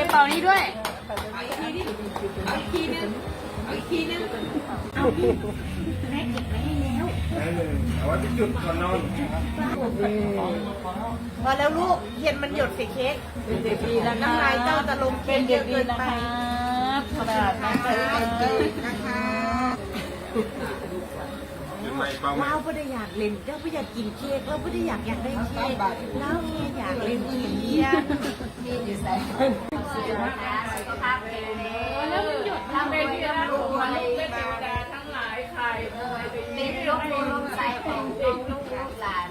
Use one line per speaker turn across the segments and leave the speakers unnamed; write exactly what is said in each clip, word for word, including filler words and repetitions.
เป่านี้ด้วยอีกทีนึงอีกทีนึงอีกทีนึงเอาพี่แม่เก็บไว้ให้แล้ว
ได้เลยเอาไว้เป็นจุดก่อนนอน
พอแล้วลูกเย็นมันหยดใส่เค้ก
เป็นเด็กดีนะ
น้ำลายเจ้าจะลงเค้กเยอะเกินไป
ขนาดนั้นเลย
นะคะเราไม่ได้อยากเล่นเราไม่อยากกินเค้กเราไม่ได้อยากอยากได้เค้กเราแค่อยากเล่นเค้ก
มีอยู่ใส่สุขภาพดีแล้วมันหยดทำเป็นเรื่องรวยเป็นเทวดาทั้งหลายใครเป็นลูกลูกใส่ของลูกลูกหลาน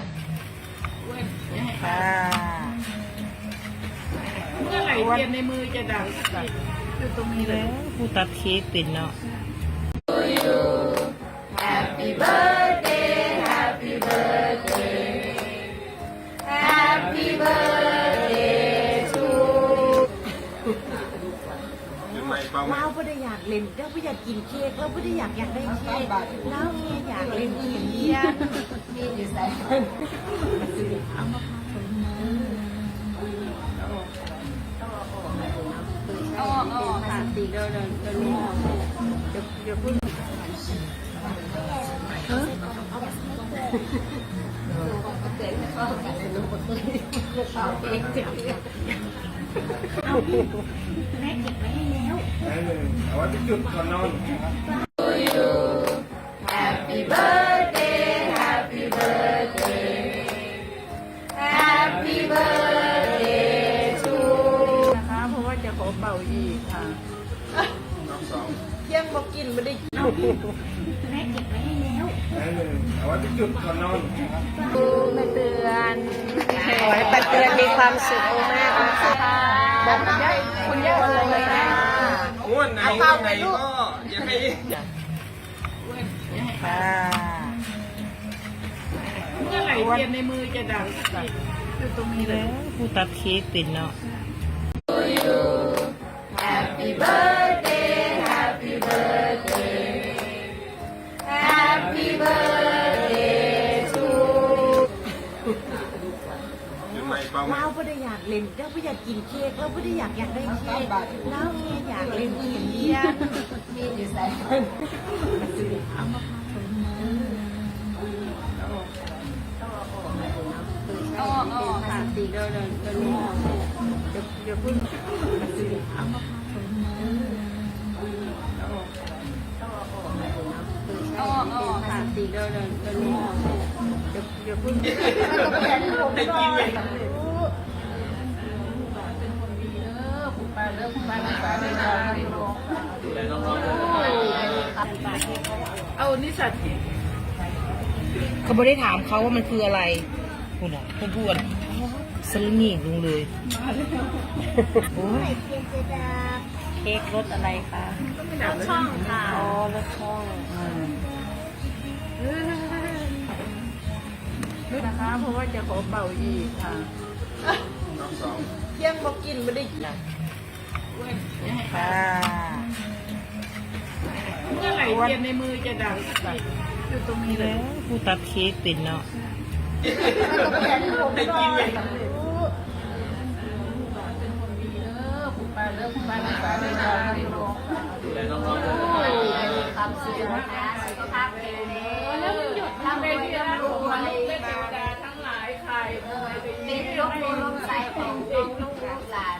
เมื่อไหร่เทียนในมือจะดังอยู่ตรงนี้เลย
ผู้ตัดเค้กเป็นเนาะ
Happy birthday Happy birthday Happy birthday to เราไม่ได้อยากเล่นเราไม่อยากกินเค้กเราไม่ได้อยากอยากได้เค้กเราแค่อยากเล่นเค้กมีอยู่ใส่เอามา
อ๋ออ๋อค่ะตีเดินเดินเดินเดี๋ยวเดี๋ยวพูดเฮ้ยเอาไปเด็กจะเข้ากันลูกเอาเองเอาพี่แม่เก็บไว้ให้แล้ว
ได้เลยเอาไว้เป็นจุดก่อนนอน
Happy birthday Happy birthday Happy birthday to
นะคะเพราะว่าจะขอเป่าอีกค่ะ
เที่ยงบอกกินไม่ได้กิน
แม่เก็บไว้ให้แล้ว
ได้เลยเอาไว้เป็นจุดก่อนนอน
มาเตือน
ขอให้ปัดเตือนมีความสุขมากนะคะ
บอกคุณย่าคุณย่าเลยนะ
ม้วนไหนม้วนไหนก็อย่าให้
เมื่อไหร่เทียนในมือจะดังอยู่ตรงนี้เลย
ผู้ตัดเค้กเป็นเนาะ
Happy birthday Happy birthday Happy birthday to เราไม่ได้อยากเล่นเราไม่อยากกินเค้กเราไม่ได้อยากอยากได้เค้กเราแค่อยากเล่นเค้กมีอยู่ใส่เอามา
อ๋ออ๋อค่ะตีเดินเดินเดินเดี๋ยวเดี๋ยวพูดเอามาอ๋ออ๋อค่ะตีเดินเดินเดินเดี๋ยวเดี๋ยวพูดไม่ต้องไปที่ผมไม่ได้เป็นคนดีเด้อคุณป้าเด้อคุณป้าคุณป้าเป็นน้องดูแลน้องๆเอานิสัย
เขาไม่ได้ถามเขาว่ามันคืออะไรคุณอ่ะพูดพูดสลิงหญิงลงเลยโอ้ยเค้กรสอะไรคะ
รสช่องค่ะ
อ๋อรสช่อง
นะคะเพราะว่าจะขอเป่าอีกค่ะ
เที่ยงบอกกินไม่ได้กิน
เมื่อไหร่เทียนในมือจะดังอยู่ตรงนี้เลย
ผู้ตัดเค้กเป็นเนาะ
ไม่ต้องไปที่ผมไม่ได้
เป็นคนดีเด้อคุณป้าเด้อคุณป้าคุณป้าเป็นน้องดูแลน้องๆความสุขนะสุขภาพดีแล้วมันหยดทำเป็นเรื่องรวยเป็นเทวดาทั้งหลายใครเป็นลูกลูกใส่ของลูกลูกหลาน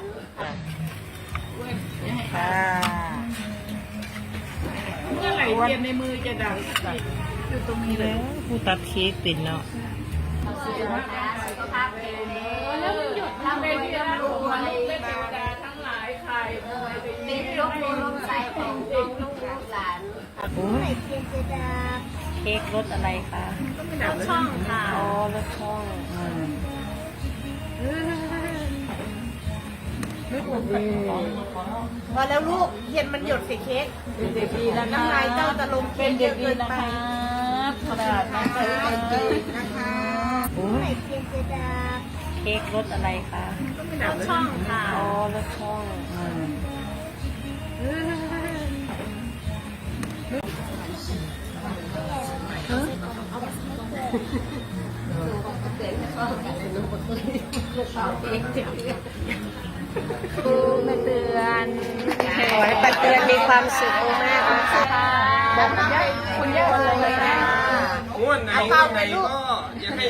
เมื่อไหร่เทียนในมือจะดังอยู่ตรงนี้เลย
ผู้ตัดเค้กเป็นเนาะ
สุขภาพดีแล้วมันหยดทำเป็นเรื่องรวยเป็นเทวดาทั้งหลายใครเป็นลูกลูกใส่ของลูกลูกหลาน
โอ้ยเค้กรสอะไรคะ
รสช่องค่ะ
อ๋อรสช่อง
พอแล้วลูกเย็นมันหยดใส่เค้ก
เป็นเด็กดีนะ
น้ำลายเจ้าจะลงเค้กเยอะเกินไป
ขนาดนั้นเลย
นะคะโอ้ย
เค้กรสอะไรคะ
รสช่องค่ะ
อ๋อรสช่อง
เด็กจะเข้ากันลูกเอาเองแม่เตือน
ขอให้ป้าเตือนมีความสุขมากๆนะคะ
บอกคุณย่าคุณย่าเลยนะ
ม้วนไหนม้วนไหนก็อย่าให้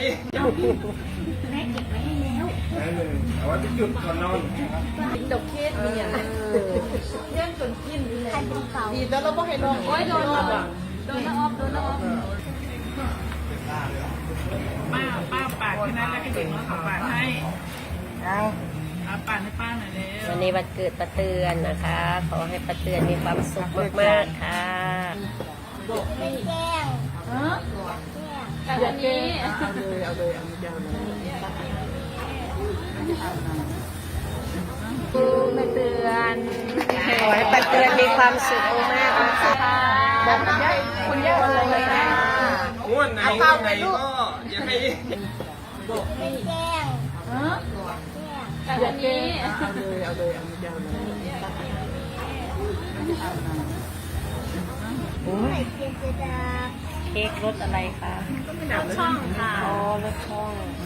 ไหนหนึ่งเอาไว้ไปจุดก่อนนอน
กินดอกเค้กเนี่ยเลี้ยงจนกินเลยดีแล้วเราก็ให้ลอง
โอ้ยโดนโดนโดนน้าออฟโดนน้าออฟป้าป้าปาดแค่นั้นแล้วให้เด็กน้อยเขาปาดให้
เอา
เอาปาดให้ป้าหน่อยเร็ว
วันนี้วันเกิดป้าเตือนนะคะ ขอให้ป้าเตือนมีความสุขมากๆค่ะ
ฮะแต่วันนี้
เอาเลยเอาเลยเอายาวเลย
แม่เตือน
ขอให้ป้าเตือนมีความสุขมากๆนะคะ
บอกคุณย่าคุณย่าเลยนะ
ม้วนไหนม้วนไหนก็อย่าให้
ฮะแต่วันนี้
เอาเลยเอาเลยเอายาวเลย
เค้กรสอะไรคะ
ช่องค่ะ
อ๋อรสช่อง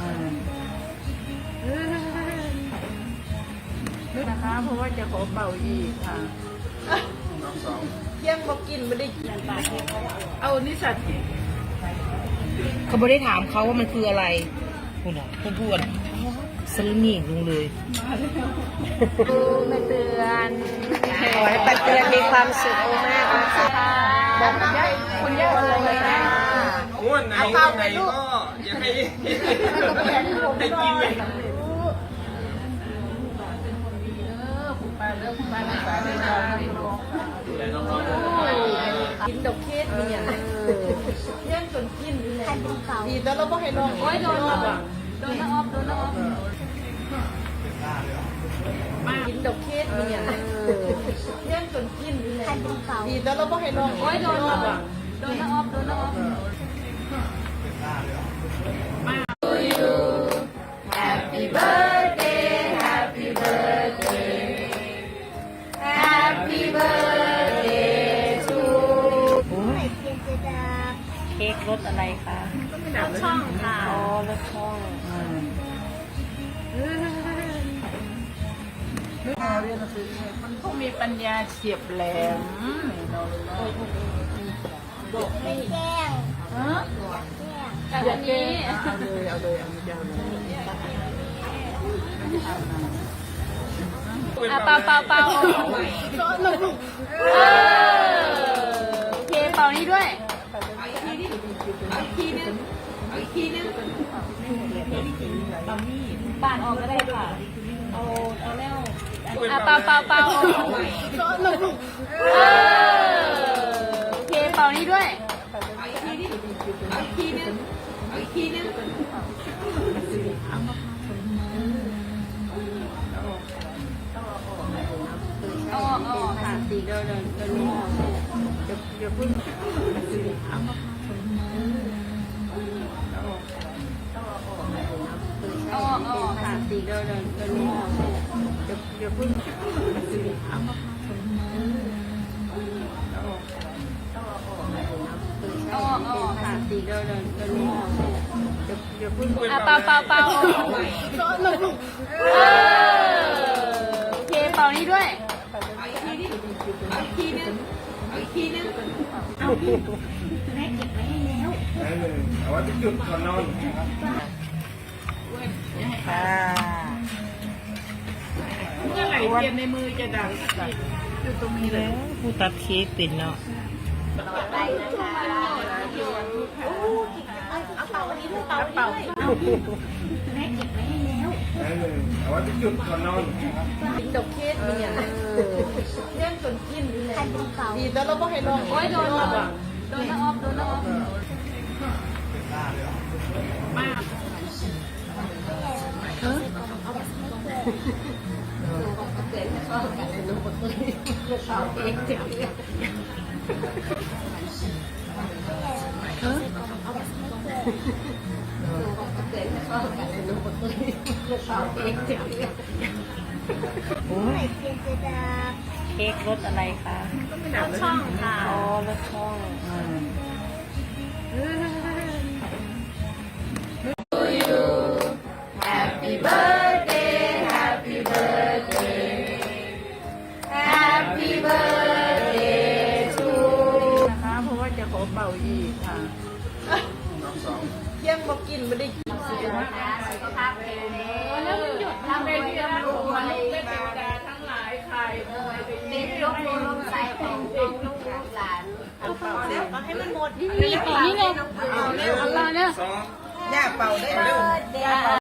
นะคะ เพราะว่าจะขอเป่าอีกค่ะ
น้องสอง
ยังบอกกินไม่ได้กิน
เอานิสัต
เขาไม่ได้ถามเขาว่ามันคืออะไรคุณอ่ะเพื่อนพูดสลิงีลุงเลย
แม่เตือน
ขอให้ป้าเตือนมีความสุขมากๆนะคะ
บอกคุณย่าคุณย่าเลยนะ
ม้วนไหนม้วนไหนก็อย่าให้ให้กินเลย
คุณป้าเลิกคุณป้ารักษาเรื่องราวให้น้อง
ดูแลน้องๆด้วย
กินดอกเค้กเนี่ยเลี้ยงจนกินเลยดีแล้วเราก็ให้ลอง
โอ้ยโดนโดนโดนน้าออฟโดนน้าออฟ
กินดอกเค้กเนี่ยเลี้ยงจนกินเลยดีแล้วเราก็ให้ลอง
โอ้ยโดนโดนโดนน้าออฟโดนน้าออฟ Happy birthday Happy birthday Happy birthday to
เค้กรสอะไรคะ
ช่องค่ะ
อ๋อรสช่อง
มันคงมีปัญญาเฉียบแหลมฮะแต่วันนี้
เอาเลยเอาเลยเอายาวเลย
อ่ะเป่าเป่าเป่าเออโอเคเป่านี้ด้วยอีกทีนึงอีกทีนึงปาดออกก็ได้ค่ะเอาเอาแล้วอ่ะเป่าเป่าเป่าเออโอเคเป่านี้ด้วยอีกทีนึงอีกทีนึงเอาออกเอาออกค่ะ
สีเดินเดินเดินไม่ออกเดี๋ยวเดี๋ยวพึ่ง
เอาออกเอาออกค่ะ
สีเดินเดินเดินไม่ออกเดี๋ยวเดี๋ยวพึ่ง
เอาออกเอาออกค่ะ
สีเดินเดินเดินไม่ออกเดี๋ยวเดี๋ยวพึ่ง
อ่ะเป่าเป่าเป่าเออโอเคเป่านี้ด้วยอีกทีนึงอีกทีนึง
ไหนหนึ่งเอาไว้ไปจุดก่อนนอน
ค่ะ
เมื่อไหร่เทียนในมือจะดังอยู่ตรงนี้เลย
ผู้ตัดเค้กเป็นเนาะ
ไปนะคะเอาเป่าวันนี้ด้วยเป่าวันนี้ด้วย
ไหนหนึ่งเอาไว้ไปจุดก่อนนอน
กินดอกเค้กเนี่ยเลี้ยงจนกินเลยดีแล้วเราก็ให้ลอง
โอ้ยโดนโดนโดนน้าออฟโดนน้าออฟมา
โอ้ยเค้กรสอะไรคะ
ช่องค่ะ
อ๋อรสช่อง
Happy birthday Happy birthday อีกค่ะ
น้องสอง
เที่ยงบอกกินไม่ได้กิน
สุขภาพนะสุขภาพแข็งแรงแล้วมันหยุดทำได้ที่ร่ำรวยเป็นเทวดาทั้งหลายใครเด็กยกมือลงใส่ของลูกหลาน
เอาเป่าแล้วเอาให้มันหมด
นี่ต่อนี่เลย
เอาเร็ว
เอาเลย
สอง
อย่าเป่าได้เร็ว